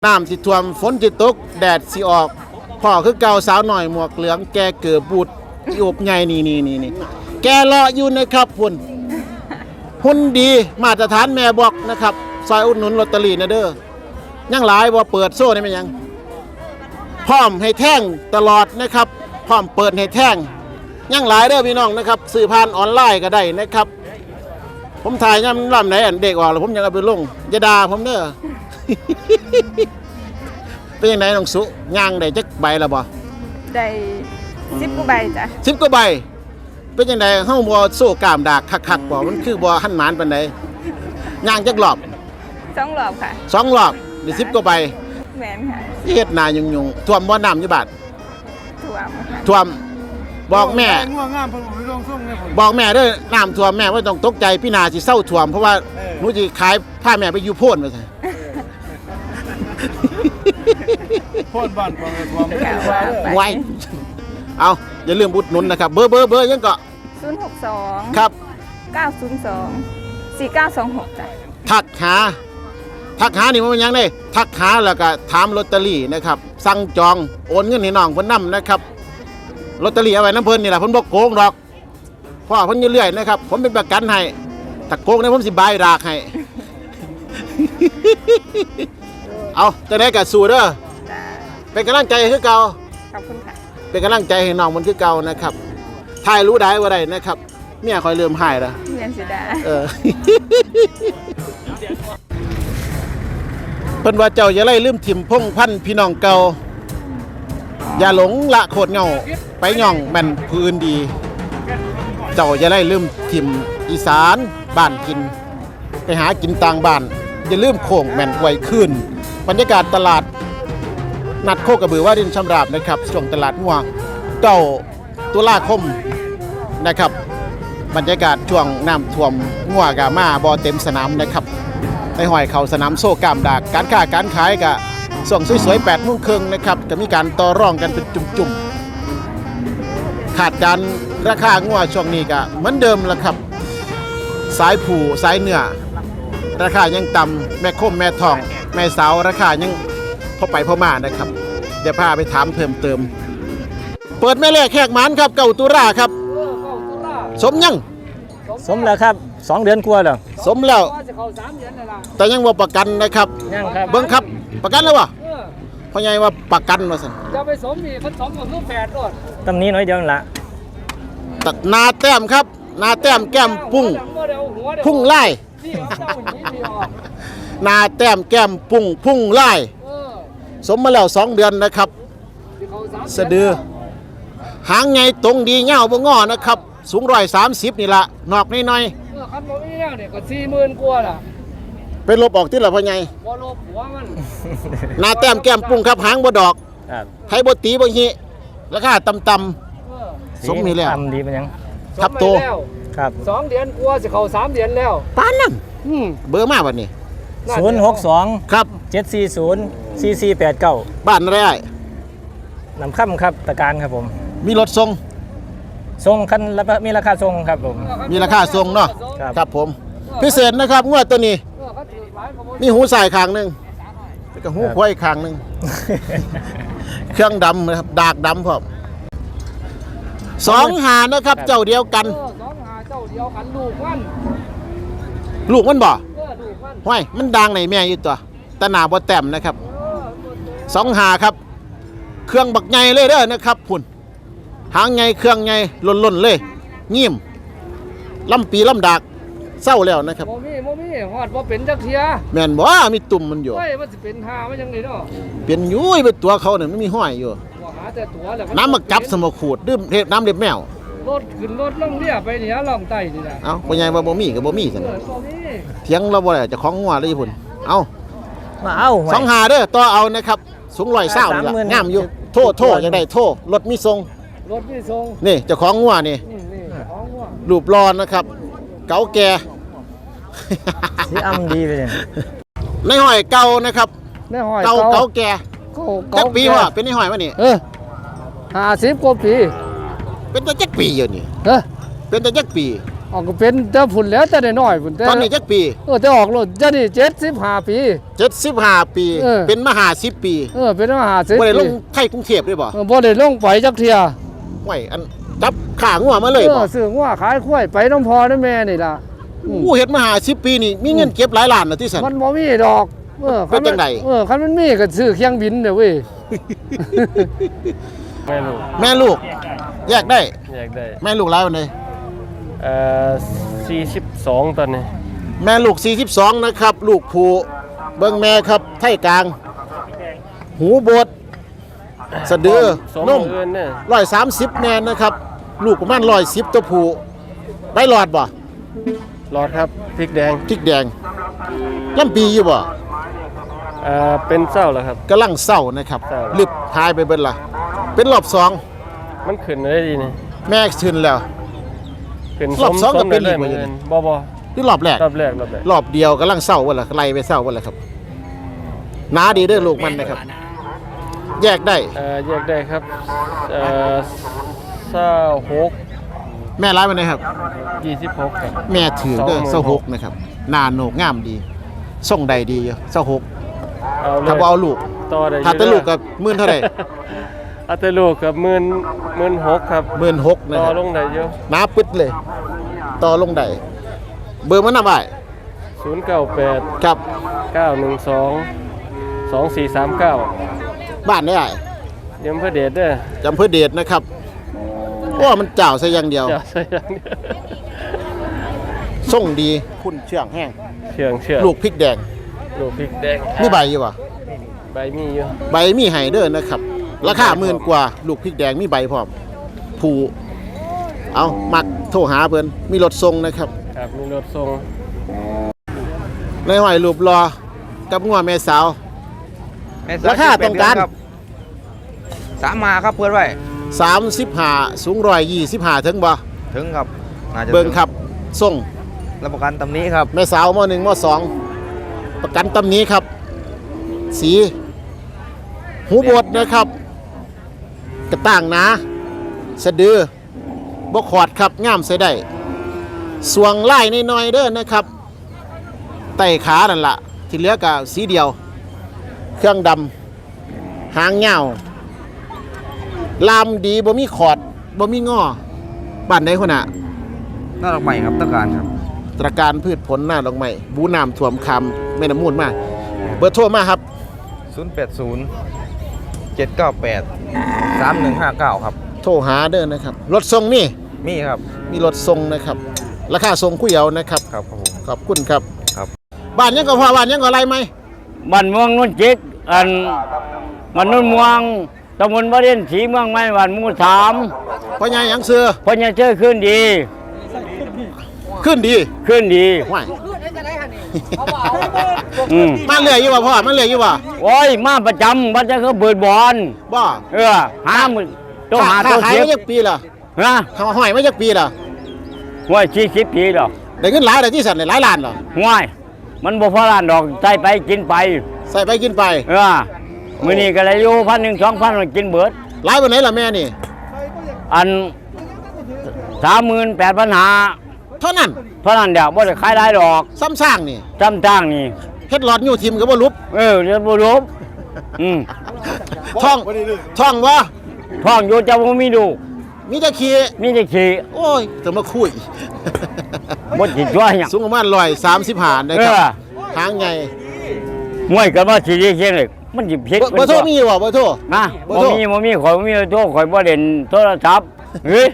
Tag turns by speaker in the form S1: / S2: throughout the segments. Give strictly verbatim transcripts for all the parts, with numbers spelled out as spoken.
S1: น้ำสิท่วมฝนสิตกแดดสิออกพ่อคือเก่าสาวหน่อยหมวกเหลืองแกเกือบบูดอีอบใหญ่นี่นี่นี่นี่แกเลาะอยู่นะครับพุ่นหุ่นดีมาตรฐานแม่บอกนะครับซอยอุดหนุนลอตเตอรี่นะเด้อยังหลายบ่เปิดโซ่ได้ไหมยังพร้อมให้แท่งตลอดนะครับพร้อมเปิดให้แท่งยังหลายเด้อพี่น้องนะครับสื่อผ่านออนไลน์ก็ได้นะครับผมถ่ายย่ำลำไหนอันเด็กออกแล้วผมยังเอาไปลงอย่าด่าผมเด้อ เป็นยังไงน้องสุย่างได้จักใบละบ่
S2: ได้สิบกว่าใบจ้ะ
S1: สิบกว่าใบเป็นยังไงเฮาบ่โซ่กามดากคักๆบ่มันคือบ่หันหมานปานใดย่างจักรอบ
S2: สองรอบค่ะ
S1: สองรอบได้สิบกว่าใบ
S2: แม่นค่ะ
S1: เฮ็ดนายุ่งๆท่วมบ่น้ำอยู่บาด
S2: ท่วม
S1: ท่วมบอกแม่บอกแม่เด้อน้ำท่วมแม่บ่ต้องตกใจพี่นาสิเศร้าท่วมเพราะว่าหนูสิขายพาแม่ไปอยู่โพ่นว่าซั่น
S3: โพ่นบ้านบ่ท่วม
S1: ไว้เอาอย่าลืมอุดหนุนนะครับเบอร์เบอร์เบอร์ยังก็
S2: ศูนย์ หก สอง
S1: ครับ
S2: เก้า ศูนย์ สอง สี่ เก้า สอง หกจ้ะ
S1: ทักหาทักหานี่มันยังได้ทักหาแล้วก็ถามลอตเตอรี่นะครับสั่งจองโอนเงินให้น้องเพิ่นนำนะครับลอตเตอรี่เอาไว้น้ำเพิ่นนี่แหละเพิ่นบ่โกงดอกเพราะเพิ่นเรื่อยๆนะครับผมเป็นประกันให้ถ้าโกงเนี่ยผมสิบายรากให้ เอาจะได้กับสู้เด้อเป็นกำลังใจคือเก่า
S2: ขอบคุณค่ะ
S1: เป็นกำลังใจให้น้องมันคือเก่านะครับถ่ายรู้ได้ว่าได้นะครับเมียคอยเริ่มหายแล้ว
S2: เมียสิดา
S1: เออ เพิ่นว่าเจ้าอย่าไล่ลืมถิ่มพงพันพี่น้องเก่าอย่าหลงละโคตรเงาไปย่องแม่นพื้นดีเจ้าอย่าไล่ลืมถิ่มอีสานบ้านกินไปหากินต่างบ้านอย่าลืมโค้งแม่นไวขึ้นบรรยากาศตลาดนัดโคกระบือว่าดินชำราบนะครับช่วงตลาดงัวเก้าตุลาคมนะครับบรรยากาศช่วงน้ำท่วมงัวกะมาบ่เต็มสนามนะครับในห้อยเขาสนามโซ่กามดากการค้าการขายกะส่งสวยๆแปดโมงครึ่งนะครับจะมีการต่อรองกันเป็นจุ่มๆขาดการราคางัวช่วงนี้กะเหมือนเดิมละครับสายผูสายเนื้อราคายังต่ำแม่คมแม่ทองแม่สาวราคายังพอไปพอมานะครับเดี๋ยวพาไปถามเพิ่มเติมเปิดแม่แรกแขกหมานครับเก่าตุราครับสมยัง
S3: สมแล้วครับสองเดือนกว่าแล้ว
S1: สมแล้วแต่ยังว่าประกันนะครับ
S3: ยังครับ
S1: เบิ้งครับประกันแล้ววะพ่อใหญ่ว่าประกันว่าสั่น
S4: จะไปสมนี่มันสมกับลูกแฝดด้วย
S3: ตำนี้น้อยเดียวละ
S1: ตัดนาแต้มครับนาแต้มแก้มปุ้งพุ่งไล่นาแต้มแก้มปุ้งพุ่งไล่สมมาแล้วสองเดือนนะครับสะดือหางไงตรงดีเงาบ่งอนะครับสูงร้อยสามสิบนี่ละนอกน้อย
S4: ๆคันบ่มีแนวเนี่ยก็สี่หมื่นกว่าล่ะ
S1: เป็นลบออกที่ละพ่อใหญ่
S4: บ่ลบหัวมัน
S1: นาแต้มแก้มปุ้งครับหางบ่ดอกไทยบ่ตีบ่หิราคาต่ำๆสมนี่แล้ว
S3: ต่ำดีเป็นยัง
S1: ทับโต
S3: ครับ
S4: สองเดือนกว่าสิเข้าสามเดือนแล้ว
S1: ปานนั้นเบอร์มาบัดนี้
S3: ศูนย์หกสอง
S1: ครับ
S3: เจ็ดสี่ศูนย์สี่สี่แปดเก้า
S1: บ้านอะไร
S3: นำค่ำครับตะการครับผม
S1: มีรถส่ง
S3: ส่งคันแล้วมีราคาส่งครับผม
S1: มีราคาส่งเนาะครับผมพิเศษนะครับงวดตัวนี้มีหูใส่ข้างหนึ่งแล้วก็หูควายข้างหนึ่งเครื่องดำนะครับดากดำพร้อมสองหานะครับเจ้าเดียวกัน
S4: สองหาเจ้าเดียวกันลูกมัน
S1: ลูกมันบ่ห้วยมันดังในแม่อยู่ตัวตะหนาบ่แต้มนะครับสองหาครับเครื่องบักใหญ่เลยเด้อนะครับพุ่นหางใหญ่เครื่องใหญ่ล้นๆเลยงิ้มลำปีลำดากเศร้าแล้วนะครับ
S4: โมมี่โมมี่หอดว่าเป็นจักเทีย
S1: แม่นบ่มีตุ่มมันอยู่
S4: เฮ้ยมันจะเป็นหามันยังไงเนาะ
S1: เป็นยุ้ยเป็นตัวเขาเนี่ยไม่มีห้อยอยู่
S4: หาแต่ตัวแล้ว
S1: น้ำมาจับสมขูดดื่มน้ำเล็บแมว
S4: รถขึ้นรถล่องเรียไปเนี่ยล่องไตนี่นะ
S1: เอาพ่อใหญ่ว่าบ่มีกับบ่มีซั่นเถียงเราบ่ได้จะของงัวเลยพุ่นเอา
S3: มาเอา
S1: สองหาเด้อต่อเอานะครับสูงร้อยเศร้านี่ล่ะงามอยู่โทษโทษจังได๋โทษรถมีทรง
S4: รถมีทรง
S1: นี่เจ้าของงัวนี่รูปรอนนะครับเก๋าแก่
S3: สีอำดีไปเลย
S1: ในห้อยเก่านะครับ
S4: ในห้อย
S1: เก่าเก๋าแก่จักปีว่าเป็นในห้อยวะนี่
S4: เออห้าสิบกว่าปี
S1: เป็นแต่จักปีอยู่นี่
S4: เออ
S1: เป็นแต่จักปี
S4: ออกก็เป็นแต่ผุนแล้วแต่ได้น้อยผุนแต่
S1: ตอนนี้จักปี
S4: เออแต่ออกโลดจะนี่เจ็ดสิบห้าปี
S1: เจ็ดสิบห้าปี
S4: เออ
S1: เป็นมหาสิบปี
S4: เออเป็นมหาเศรษ
S1: บ่ได้ล
S4: ฐี
S1: งไทยกรุงเทพด้วยบ่
S4: เออบ่ได้ลงไปจักเที่ย
S1: ไหวอันจับขางัวมาเลย
S4: เอ
S1: บ่
S4: อซื้องัวขายควายไปน้ำพอน้ำแม่นี่ล่ะอืม
S1: อู้เฮ็ดมหาสิบปีนี่มีเงินเก็บหลายล้านน่ะที่สัน
S4: มันบ่มีดอกเออ
S1: เป็นจังใด
S4: เออคันมันมีก็ซื้อเครื่องบินเด้อเว้ย
S3: ไม่รู้
S1: แม่ลูก แยกได้
S3: อยากได้
S1: แม่ลูกหลายวันใด
S3: เอ่อสี่สิบสองตอนนี้
S1: แม่ลูกสี่สิบสองนะครับ ลูกผู้เบิ่งแม่ครับไทยกลาง หูบดสะดือ
S3: สอง
S1: นุ่ม
S3: เอินเนี่ย
S1: ร้อยสามสิบแม่นนะครับ ลูกประมาณร้อยสิบตัวผู้ใบหลอดบ่
S3: รอดครับพริกแดง
S1: พริกแดงลำปีอยู่บ่
S3: เอ่อเป็นเศร้าแล้วครับ
S1: กำลังเศร้านะครับ
S3: เศร้า
S1: ลึบหายไปเบิดละเป็นรอบสอง
S3: มันขึ้นได้ดีนี่
S1: แม่ชื่นแล้ว
S3: ขึ้น
S1: รอบสองก็เป็นอีก
S3: เหมื
S1: ว่า
S3: อน
S1: อย่างนี้
S3: กันบ่บ่
S1: ที่รอบแรก
S3: รอบแรกรอบแรก
S1: รอบเดียวกำลังเศร้าวันละไล่ไปเศร้าวันละครับหนาดีเด้อลูกมันนะครับ แยกได้
S3: เอ่อแยกได้ครับเอ่อเศร้าหก
S1: แม่ร้ายมันนะครับ
S3: ยี่สิบหกครับ
S1: แม่ถือเด้อ
S3: สองหมื่น
S1: เศร้าหกนะครับหนาโหนกงามดีส่งใดดีอยู่เศร้าหก
S3: เอาเลย
S1: ถ้าบ่เอาลูก
S3: ต่อได้อยู่
S1: ถ้าแต่ลูกกับหมื่นเท่าไหร่
S3: เอาแต่ลูกกับหมื่นหมื่นหกครับ
S1: หมื่นหกนะ
S3: ต่อ
S1: ครับ
S3: ลงได้อยู่
S1: หนาปึ๊ดเลย ต่อลงได้เบอร์มันน่ะบ่าย
S3: ศูนย์เก้าแปด
S1: ครับ
S3: เก้าหนึ่งสองสองสี่สามเก้า
S1: บ้านได้
S3: เดี๋ยวเพื่อเดทเด้อ
S1: จำเพื่อเดชนะครับว่ามันเจ้าซะอย่างเดียว
S3: จะใส่ยังเนี่ย
S1: ส่งดีคุณเชื่องแห้ง
S3: เชื่องเชื่อง
S1: ลูกพริกแดง
S3: ลูกพริกแดง
S1: มีใบอยู่บ่
S3: ใบมีอยู่
S1: ใบมีไห้เด้อนะครับ ราคาหมื่นกว่า ลูกพริกแดงมีใบพร้อมผูเอามักโทรหาเพิ่นมีรถส่งนะครับ
S3: ครับมีรถส่ง
S1: ในหอยรูปรอกับงัวแม่สาว ราคาต้องการ
S5: สามมาครับเพื่อนไว้
S1: สามสิบห้าสูงร้อยยี่สิบห้าถึงบ่
S5: ถึงครับน่าจะ
S1: เบิ่งครับส่ง
S5: รับประกันตำนี้ครับ
S1: แม่สาวมหนึ่งมสองประกันตำหนี้ครับ สี หูบดนะครับ กระต่างหนาสะดือบกขอดครับง่ามใส่ได้สวงไล่น้อยๆเด้อนะครับไต่ขานั่นละที่เหลือก็สีเดียว เครื่องดำหางเงาลามดีบ่มีขอดบ่มีงอบ้านใดคนน่ะ
S5: น่ารักใหม่ครับต้องการครับ
S1: ตระการพืชผลหน้าดอกไม้บูน้ำท่วมคำแม่น้ำมูลมากเบอร์โทรมาครับ
S5: ศูนย์ แปด ศูนย์ เจ็ด เก้า แปด สาม หนึ่ง ห้า เก้า ครับ
S1: โทรหาเด้อนะครับ รถส่งนี่
S5: มีครับ
S1: มีรถส่งนะครับ ราคาส่งคุยเอานะครับ
S5: ครับผม
S1: ขอบคุณครับ
S5: ครับ
S1: บ้านยังก็พอบ้านยังก็อะไรไหม
S6: บ้านเมืองนุ่นจิกอันมันนุ่นเมืองตำบลบ้านเด่นสีเมืองไม้บ้านหมู่สาม
S1: พ่อใหญ่ยังเสือ
S6: พญาเชื่อขึ้นดี
S1: ขึ้นดี
S6: ขึ้นดี
S1: ว้าย
S6: อืม
S1: มาเรื่อยอยู่ว่ะพ่อมาเรื่อยอยู่ว่ะ
S6: โอ้ยมาประจำบัดจะเขาเปิดบอล
S1: บ่
S6: เออหามือต้องหา
S1: ค้
S6: ตัว
S1: ขาย
S6: เสีย
S1: มาจากปีละ
S6: นะ
S1: ทำห้อยมาจากปีละ
S6: ห้วยสี่สิบปีดอก
S1: ได้เงินหลายได้ที่สันได้หลายล้านเหรอ
S6: ห้วยมันบ่พอล้านดอกใส่ไปกินไป
S1: ใส่ไปกินไป
S6: เออมื้อนี้ก็เลยอยู่พันหนึ่งสองพันกินเบิด
S1: หลายวันไหนล่ะแม่นี่
S6: อันสามหมื่นแปดพันหา
S1: เท่านั้น
S6: เท่านั้นเดียวบ่ได้ขายได้ดอก
S1: ซ้ำสร้างนี่
S6: จำจ้างนี่
S1: เฮ็ดหลอดอยู่ทีมก็บ่ลุบ
S6: เออเรียนบ่รู้อืม
S1: ท่องท่องวะ
S6: ท้องอยู่จะบ่มีดู
S1: มีแต่ขี้
S6: มีแต่ขี้
S1: โอ้ยจะมาคุย
S6: บ่สิช่วยหยัง
S1: สูงประมาณร้อยสามสิบห้านะ
S6: เอ
S1: ครับ
S6: อ
S1: หางไง
S6: มวยกันว่าสิได้เชียงเลยมันสิผิด
S1: เบอร์เบอร์โทรมีบ่เบอร์โทร
S6: นะ
S1: เบอร์
S6: บ่
S1: โทร
S6: มีบ่มีข่อยบ่มีโทรข่อยบ่เล่นโทรศัพท์เฮ้ย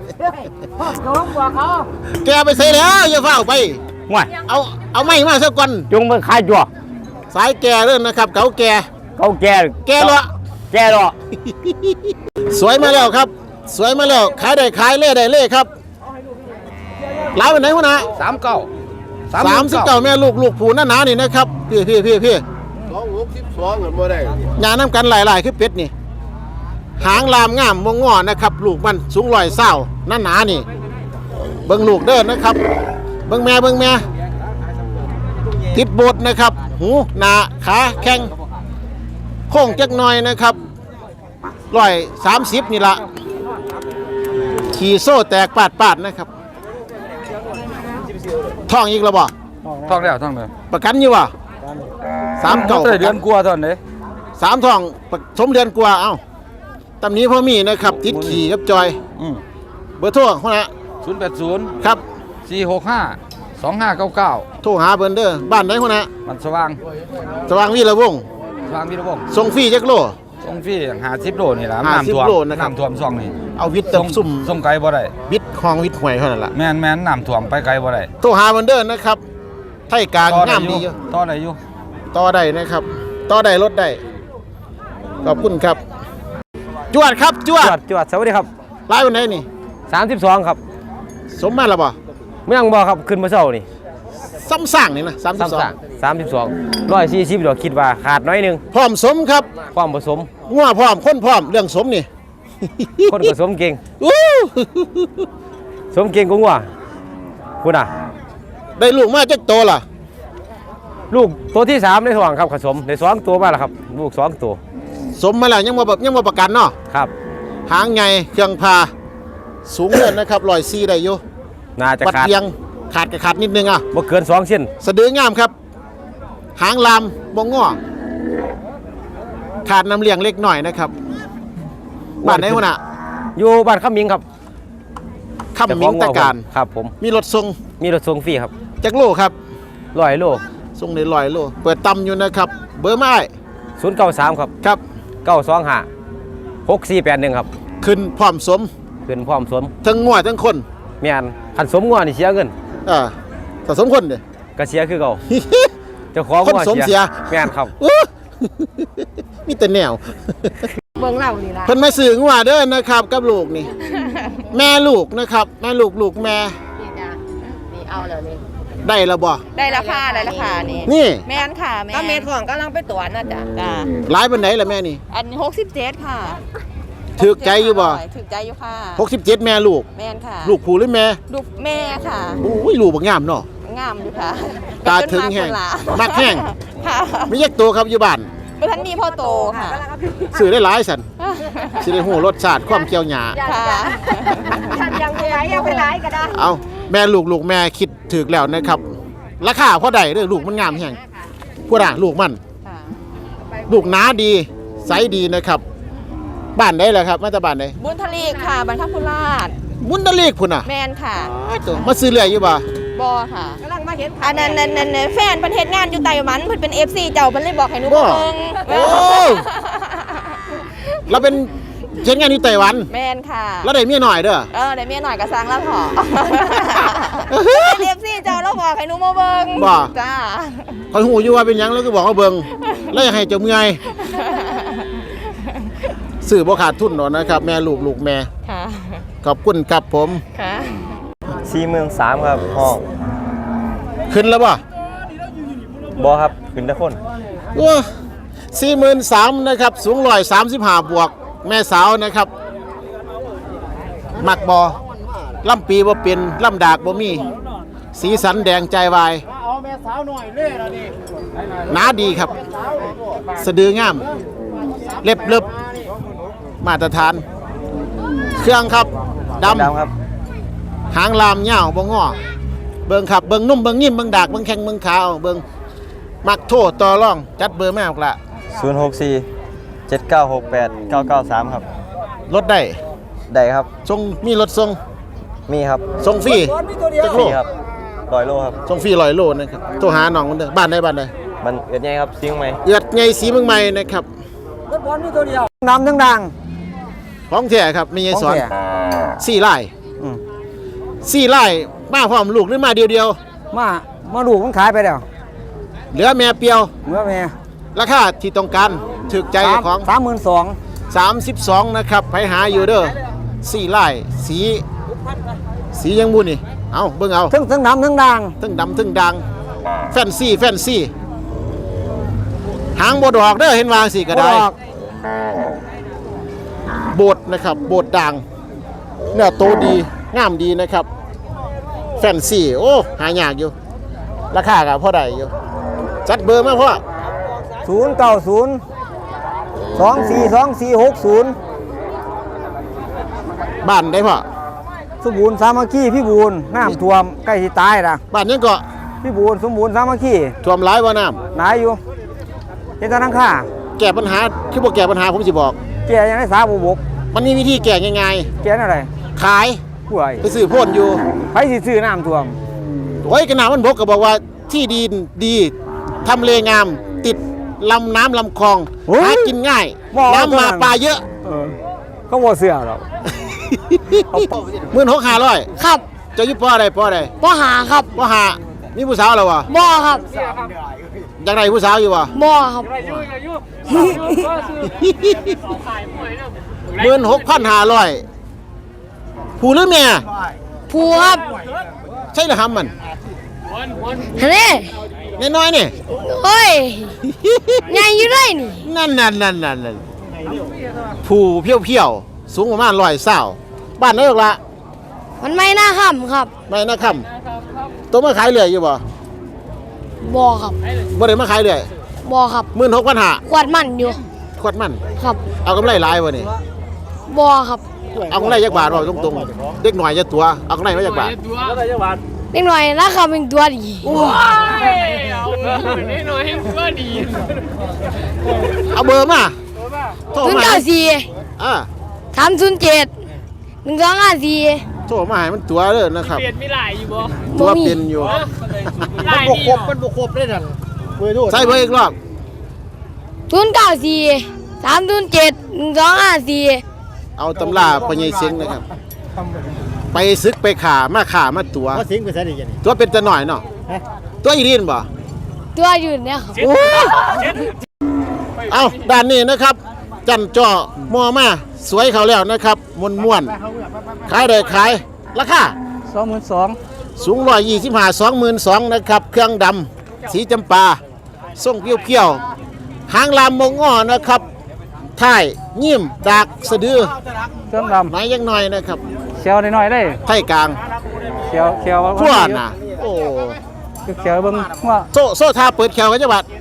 S1: แกไปใส่แล้วอย่าเฝ้าไป
S6: มวย
S1: เอาเอาไม้มาซะก่อน
S6: จงไปขายจั่ว
S1: สายแกเด้อนะครับ เก่าแก
S6: เขาแก่
S1: แกเลาะ
S6: แก่เลาะ
S1: สวยมาแล้วครับ สวยมาแล้วขายได้ขายเล่ได้เล่ครับหลายวันไหนวะนะ
S5: สามเก้า
S1: สามสิบเก้าแม่ลูกลูกผูหน้าหนานี่นะครับพี่พี่พี่พี่
S7: สองหกสิบสองเงินบ่ได้
S1: ยาน้ำกันหลายๆคือเป็ดนี่หางลามงามมงงอนะครับ ลูกมันสูงร้อยเศร้าหน้าหนานี่ เบิ่งลูกเด้อนะครับ เบิ่งแม่เบิ่งแม่ติดโบดนะครับ หูหนาขาแข้งโค้งจักหน่อยนะครับร้อยสามสิบนี่ละขี่โซ่แตกปาดปาดๆนะครับท้องอีกแล้วบ่
S8: ท่องแล้วท่องแล้ว
S1: ประกันอยู่บ่สามเก่า
S8: เดือนกลัวาตอนนี้
S1: สามท้องสมเดือนกว่าเอ้าตำนี้พ่อมีนะครับติดขี่กับจอย
S8: อืม
S1: เบอร์โทรหัวหน้า
S8: ศูนย์แปดศูนย์
S1: ครับ
S8: สี่หกห้าสองห้าเก้าเก้า
S1: โทรหาเพิ่นเด้อบ้านไหนหัวหน้า
S8: มันสว่าง
S1: สว่างวีระวงศ์
S8: สว่างวิรวงศ์
S1: ส่งฟรีจักโล
S8: ส่งฟรีหาสิบโลนี่ล่ะ
S1: ห้าสิบ
S8: น้ำท่วม
S1: โลนะครับ
S8: น้ำท่วมซ่องนี่
S1: เอาวิทย์เติมซุ่ม
S8: ส่งไกลบ่ได้
S1: วิทย์คลองวิทย์ห้วยเท่านั้นล่ะ
S8: แม่นแม่นน้ำท่วมไปไกลบ่ได้
S1: โทรหาเพิ่นเด้อนะครับไทยกลาง
S8: ต่อได้
S1: งาม
S8: อ
S1: ดี
S8: ยู่
S1: อยู่
S8: ต่อได้อยู่
S1: ต่อได้นะครับต่อได้ลดได้ขอบคุณครับจวดครับจวด
S5: จวดจวดสวัสดีครับ
S1: ไล่วันไหนนี่
S5: สามสิบสองครับ
S1: สมมาแล้วบ่
S5: เมืองบ่ครับขึ้นมาเช้านี่
S1: ซ้ำสร้างนี่นะสามสิบสอง
S5: สามสิบสองร้อยสี่สิบดอกคิดว่าขาดน้อยหนึง
S1: พร้อมสมครับ
S5: ความผสม
S1: งัวพร้อมคนพร้อมเรื่องสมนี่
S5: คนผสมเก่ง
S1: อู้
S5: สมเก่งกว่าคุณอ่ะ
S1: ได้ลูกมาจักโตล่ะ
S5: ลูกตัวที่สามในท้องครับผสมในสองตัวมาแล้วครับลูกสองตัว
S1: สมมาแล้วยังบ่แบบยังบ่ประกันเนาะ
S5: ครับ
S1: หางใหญ่เครื่องพาสูงเงินนะครับร้อยสี่ได้อยู่
S5: น่าจะ
S1: ปัด
S5: ขาด
S1: เพียงขาดก็ขาดนิดนึงอ่ะ
S5: บ่เกินสองเส้น
S1: สะดืองามครับ หางลามบ่งอขาดน้ำเลี้ยงเล็กหน่อยนะครับบ้านไหนวะน่ะ
S5: อยู่บ้านขมิงครับ
S1: คำมิงตะการ
S5: ครับผม
S1: มีรถส่ง
S5: มีรถส่งฟรีครับ
S1: จักโลครับ
S5: ร้อยโล
S1: ส่งได้ร้อยโลเปิดตำอยู่นะครับ เบอร์ไม้
S5: ศูนย์เก้าสามครับ
S1: ครับ
S5: เก้าสองห้าหกสี่แปดหนึ่งครับ
S1: ขึ้นพร้อมสม
S5: ขึ้นพร้อมสม
S1: ทั้งงัวทั้งคน
S5: แม่นคันสมงัวนี่เสียเงิน
S1: อ่าถ้าสมคนเด้
S5: ก็เสียคือเก่าเจ้าของ
S1: คน
S5: งัว
S1: สมเสีย
S5: แม่นครับ
S1: อู้ มีแต่แนว
S2: เบิ่งเรานี่ล่ะ
S1: เพิ่นมาซื้องัวเด้อนะครับกับลูกนี่ แม่ลูกนะครับ แม่ลูกลูกแม่
S2: นี่จ้ะนี่เอาแล้วนี่
S1: ได้แล้วบ่
S2: ได้ราคาได้ราคานี่
S1: นี่
S2: แม่นค่ะแม่ก็เมทองกำลังไปตรวจนะจ๊ะจ้ะ
S1: หลายปานไหนล่ะแม่นี่
S2: อันหกสิบเจ็ดค่ะ
S1: ถูกใจอยู่บ่
S2: ถูกใจอยู่ค่ะ
S1: หกสิบเจ็ดแม่ลูก
S2: แม่นค่ะ
S1: ลูกผู้หรือแม่
S2: ลูกแม่ค่ะ
S1: โอ้ยลูกบักงามเนาะ
S2: งามอยู่ค่ะ
S1: ตาถึงแห้ง
S2: เป็นคน
S1: มักแห้ง
S2: ค่ะ
S1: มีแยกตัวครับอยู่บ้าน
S2: เมื่อท่านมีพ่อโตค่ะ
S1: ซื้อได้หลายสันสิได้ฮู้รสชาติความเคี่ยวหยา
S2: ค่ะท่านยังไปไหนยังไปไหนก็ได้
S1: เอาแม่ลูกลูกแม่คิดถูกแล้วนะครับ ราคาพอได้เด้อลูกมันงามแห้งพูดอ่ะลูกมัน
S2: ค่ะ
S1: ลูกหนาดีไซส์ดีนะครับ บ้านไหนล่ะครับมาจากบ้านไหน
S2: บุญทลีค่ะบรรทัดพุราช
S1: มุนตะเลกพุ่นน่ะ
S2: แมนค่ะ
S1: อ้าวตัวมาซื้อเรื่อยอยู่บ่
S2: บอค่ะกำลังมาเห็นอันนั้นนั่นนั่นแฟนเพิ่นเฮ็ดงานอยู่ไต้หวันเพิ่นเป็น เอฟ ซี เจ้าเพิ่นเลยบอกให้หนูมาเบิ่ง
S1: โอ้เราเป็นเช็งงานอยู่ไต้หวัน
S2: แมนค่ะ
S1: แล้วได้เมียหน่อยเด้อ
S2: เออได้เมียหน่อยก็สร้างแล้วพอเป็น เอฟ ซี เจ้าแล้วบอกให้หนูมาเบิ่ง
S1: บ่
S2: จ้า
S1: คอยหูอยู่ว่าเป็นหยังแล้วก็บอกว่าเบิ่งแล้วอยากให้เจ้าเมื่อยซื้อบ่ขาดทุนหรอกนะครับ แม่ลูกลูกแม่
S2: ค่ะ
S1: ขอบคุณครับผม
S2: ค่ะ
S5: สี่หมื่นสามครับห้อง
S1: ขึ้นแล้วบ่
S5: บอครับขึ้นตะคน
S1: ว้าสี่หมื่นสามนะครับ สูงร้อยสามสิบห้าบวก แม่สาวนะครับ มักบอล่ำปีบ่เป็นล่ำดากบ่มี สีสันแดงใจวายหนาดีครับ สะดืองาม เล็บเล็บมาตรฐาน เครื่องครับดำ
S5: ดำครับ
S1: หางลามยาวบ่งอเบิ่งครับเบิ่งนุ่มเบิ่งนิ่มเบิ่งดากเบิ่งแข็งเบิ่งขาวเบิ่งมักโทษต่อรองจัดเบอร์แม่ออกละ
S5: ศูนย์หกสี่เจ็ดเก้าหกแปดเก้าเก้าสามครับ
S1: รถได้
S5: ได้ครับ
S1: ส่งมีรถส่ง
S5: มีครับ
S1: ส่งฟรีจักโล
S5: มีครับร้อยโลครับ
S1: ส่งฟรีร้อยโลนะครับโทรหาน้องมันเด้อบ้านใดบ้านใด
S5: มันเอือดใหญ่ครับซิงไหม
S1: เอือดไงสีเมืองใหม่นะครับ
S4: น้ำทั้งดัง
S1: ของแท้ครับมีไงสอน
S4: ของแท้
S1: สี่ไร่
S4: อืม
S1: สี่ไร่มาพร้อมลูกหรือมาเดียวเดียว
S4: มามาดูมันขายไปแล้ว
S1: ๆเหลือแม่เปียว
S4: เมื่อแม่
S1: ราคาที่ต้องการถึกใจของ
S4: สามหมื่นสอง
S1: สามสิบสองนะครับไปหาอยู่เด้อสี่ไร่สีสียังบุนี่เอาเบิ่งเอา
S4: ทั้งทั้งน้ำทั้งดัง
S1: ทึ่งดำทึ่งดังแฟนซี่แฟนซี่หางบดอกเด้อเห็นวางสิก็ได้
S4: บ่ดอก
S1: โบดนะครับโบดด่างเนื้อโตดีงามดีนะครับแฟนซี่โอ้หายากอยู่ ราคากับพ่อใดอยู่จัดเบอร์มาพ่อ
S4: ศูนย์เก้าศูนย์สองสี่สองสี่หกศูนย์
S1: บ้านได้พ่อ
S4: สมบูรณ์สามัคคีพี่บูรณ์น้ำท่วมใกล้ที่ตายนะ
S1: บ้านยังก็
S4: พี่บูรณ์สมบูรณ์สามัคคี
S1: ท่วมหลายบ่น้
S4: หนายอยู่เฮ็ดแตะนังค่า
S1: ำแก้ปัญหาคือบ่แก้ปัญหาผมสิบอก
S4: แกยังได้สาบุบก
S1: มันมีวิธีแก้ง่าย
S4: แกนั่นอะไร
S1: ๆขาย
S4: ผู้ใด
S1: ไปซื้อโพ่นอยู่
S4: ไผสิซื้อน้ำท่วม
S1: โอ้ยกระหนามันบกก็บอกว่าที่ดินดีทำเลงาม ติดลำน้ำลำคลองหากินง่าย น้ำมาปลาเยอะ
S4: เออเขาบ่เสื้อหรอก
S1: หมื่นหกห้าร้อย
S2: ครับ
S1: จะยุบป้ออะไรป้ออะไร
S2: บ่หาครับ
S1: ป้อหามีผู้สาวแล้ววะ
S2: บ่ครับ
S1: อยากได้ผู้สาวอยู่วะ
S2: บ่ครับ
S1: หมื่นหกพันห้าร้อยผู้หรือเมีย
S2: ผู้ครับ
S1: ใช่หรือหำมัน
S2: เฮ้ย
S1: น้อยๆนี่
S2: โอ้ยใหญ่อยู่เลยนี่
S1: นั่นนั่นนั่นนั่นนั่นผู้เพี้ยวเพี้ยวๆสูงประมาณร้อยเศร้าบ้านนั่นหรอกละ
S2: มันไม่น่าขำครับ
S1: ไม่นะคำตัวมาขายเรื่อยอยู่บ่
S2: บ่ครับ
S1: บ่ได้มาขายเรื่อย
S2: บ่ครับ
S1: หมื่นหกพันห้า
S2: ขวดมันอยู่
S1: ขวดมัน
S2: ครับ
S1: เอากำไรหลายวะนี่
S2: บ่ครับ
S1: เอากำไรยักบาทเราตรงๆเด็กหน่อยจะตัวเอากำไรมายักบาท
S2: เล็กหน่อยราคาเป็นตัวดี
S1: เอาเบอร์มาโทร
S2: ศูนย์
S1: มา
S2: เก้าสี่
S1: อ่า
S2: สามศูนย์เจ็ดหนึ่งสองห้าสี่
S1: โทรมาให้มันตัวเลยนะครับ
S3: เปลี่ยนไม่หลายอยู่บ่
S1: ตัวเป็นอยู่
S3: หลายนี่
S7: มันบกครบได้นั่นเว้ยโทษ
S1: ใส่เบอร์อีกรอบ
S2: ศูนย์เก้าสี่สามศูนย์เจ็ดหนึ่งสองห้าสี่
S1: เอาตำราปัญญาเสียงนะครับ ไปซึกไปขามาขามาตัว
S7: ว่าสิงไปใส่ได้ยังไง
S1: ตัวเป็นจะหน่อยเนาะตัวอีดินบ่
S2: ตัวอยู่เนี่ยครับ
S1: เอาด้านนี้นะครับ จันจ่อมอมาสวยเขาแล้วนะครับมวนม่วนๆขายได้ขายราคา
S4: สองหมื่นสอง
S1: สูงร้อยยี่สิบห้าสองหมื่นสองนะครับ เครื่องดำสีจำปาส่งเพี้ยวๆหางลามมงอ้อนะครับท้ายยิ้มดากสะดือ
S4: เครื่องด
S1: ไหนยังหน่อยนะครับ
S4: ำเขียวหน่อยๆได้
S1: ไทยกลาง
S4: เขียวเขียว
S1: พวดน่ะโอ้
S4: เขียวเบิ่งว่า
S1: โซ่โซ่ทาเปิดแขวกันจังหวัด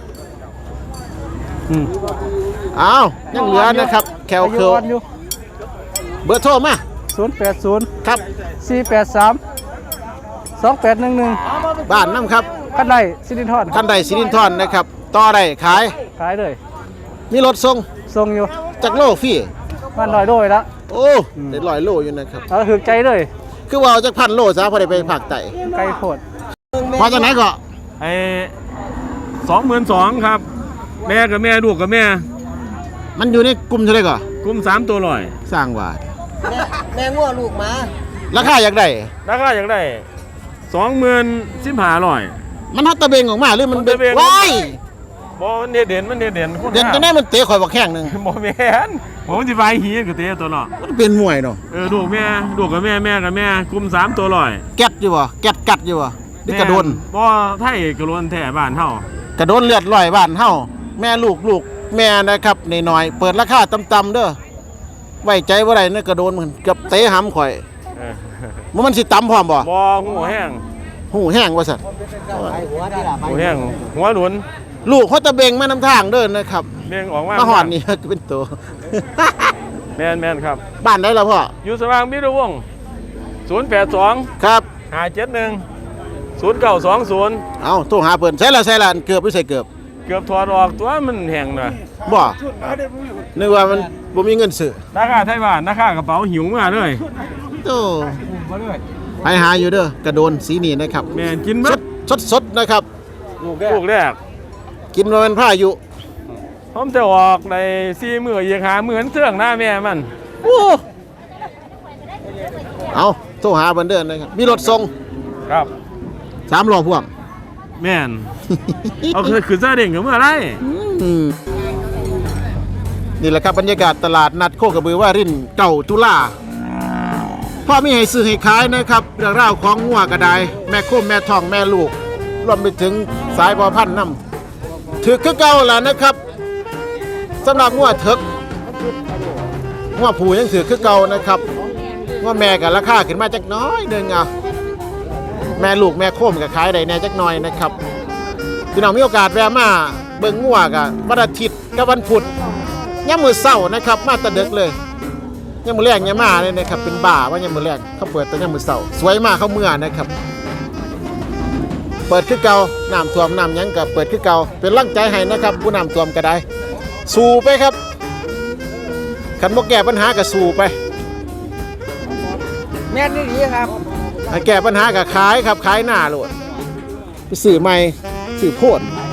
S4: อืม
S1: อ้าวยังเหลือนะครับ แขว
S4: อา
S1: เคิ
S4: ยุ
S1: ล
S4: อ่อนอยู่
S1: เบอร์โทรมา
S4: ศูนย์แปดศูนย์
S1: ครับ
S4: สี่แปดสามสองแปดหนึ่งหนึ่ง
S1: บ้านน้ำครับ
S4: กันได้สิรินทร
S1: คันใดสิรินทรนะครับ ต่อได้ขาย
S4: ขายเลย
S1: มีรถส่ง
S4: ส่งอยู่
S1: จากโลฟรี
S4: มันลอยโดยละ
S1: โอ้ได้ลอยโลอยู่นะครับ
S4: เอาถือใจเลย
S1: คือว่าเอาจากพันโลซะพอได้ไปภาคใต้
S4: ไกลโพด
S1: พอจากไหนก็
S9: ไอ้สองหมื่นสองครับ แม่กับแม่ลูกกับแม่
S1: มันอยู่ในกลุ่มเท่าไหร่ก็
S9: กลุ่มสามตัวลอย
S1: สร้างว่า
S7: แม่งัวลูกมา
S1: ราคาอยากได้
S9: ราคาอย่างได้สองหมื่นสิบห้าร้อย
S1: มันฮัตตะเบงออกมาหรือมัน
S9: ฮัตตะเบง
S1: ว้าย
S9: บอมันเด่นเด่นมันเด่นเด่นคุณ
S1: เด่นจะได้มันเตะข่อยบักแข้งหนึง
S9: บอแม่นผมจะไปหีกับเตะตัวเนาะ
S1: มันเป็นมวยเนาะ
S9: เออลูกแม่ลูกกับแม่แม่กับแม่กลุ่มสามตัวลอย
S1: แก๊ดอยู่บ่แก๊ดกัดอยู่บ่นี่กระโดน
S9: บอไทยกระโดนแท่บ้านเฮาก
S1: ระโดนเลือดลอยบ้านเฮาแม่ลูกลูกแม่นะครับน้อยๆเปิดราคาต่ำๆเด้อไว้ใจบ่ได้นะกระโดนมันเกือบเตะหำข่อย
S9: เออ
S1: มันมันสิต่ำพร้อมบ่
S9: บอหัวแห้ง
S1: หูแห้งว่าซั่น
S9: หัวแห้งหัวหลุน
S1: ลูกเขาตะเบงมานำทางเด้อนะครับ
S9: เลี้ยงออกมา
S1: มาหอดนี่ เป็นตัว
S9: แม่นแม่นครับ
S1: บ้านได้แล้วพ่อ
S9: อยู่สว่างมิตรวงศ์ศูนย์แปดสอง
S1: ครับ
S9: ห้าเจ็ดหนึ่งศูนย์เก้าสองศูนย์
S1: เอาโทรหาเพิ่นใส่ละใส่ละเกือบหรือใส่เกือบ
S9: เกือบถอดออกตัวมันแห้งหน่อย
S1: บ่นึกว่ามันบ่มีเงินซื้อ
S9: ราคาไทยบ้านราคากระเป๋าหิวมาเลย
S1: โตไปหาอยู่เด้อกระโดนสีนี้นะครับ
S9: แม่นกิน
S1: ส
S9: มั
S1: ดสดสดนะครับ
S9: ลูกแรก
S1: กินมาเป็นผ้าอยู่
S9: ผมจะออกในสี่มือยีหาเหมือนเสื่องหน้าแม่มัน
S1: โอ้เอาโทรหาเพิ่นเด้อนะครับมีรถส่ง
S9: ครับ
S1: สามล้อพ่วง
S9: แม่น เอาคือคือซาเด้งกับเมื่อไร
S1: อืมนี่แหละครับบรรยากาศตลาดนัดโคกระบือว่ารินเก่าตุลาพ่อมีให้ซื้อให้ขายนะครับเรื่องราวของงัวกระไดแม่โคมแม่ทองแม่ลูกรวมไปถึงสายพอพันธุ์น้ำถือคือเก่าแล้วนะครับสำหรับงัวเถิกงัวผูยังถือคือเก่านะครับงัวแม่กับราคาขึ้นมาจักน้อยหนึงอ่ะแม่ลูกแม่โคมกับขายได้แน่จักหน่อยนะครับพี่น้องมีโอกาสแวะมาเบิ่งงัวกับวันอาทิตย์กับวันพุธย่ำมือเศร้านะครับมาแตะเดึกเลยยังมือแรงยังมาเลยนะครับเป็นบ่าว่ายังมือแรงเขาเปิดแต่ยังมือเสาสวยมากเขาเมื่อนะครับเปิดคือเก่าน้ำท่วมน้ำยังกับเปิดคือเก่าเป็นร่างใจให้นะครับผู้น้ำท่วมก็ได้สู้ไปครับขันบ่แก้ปัญหาก็สู้ไป
S7: แม่นี่ดีครับ
S1: ให้แก้ปัญหากับขายครับขายหน้าโลดไปสื่อใหม่สื่อโพด
S7: ข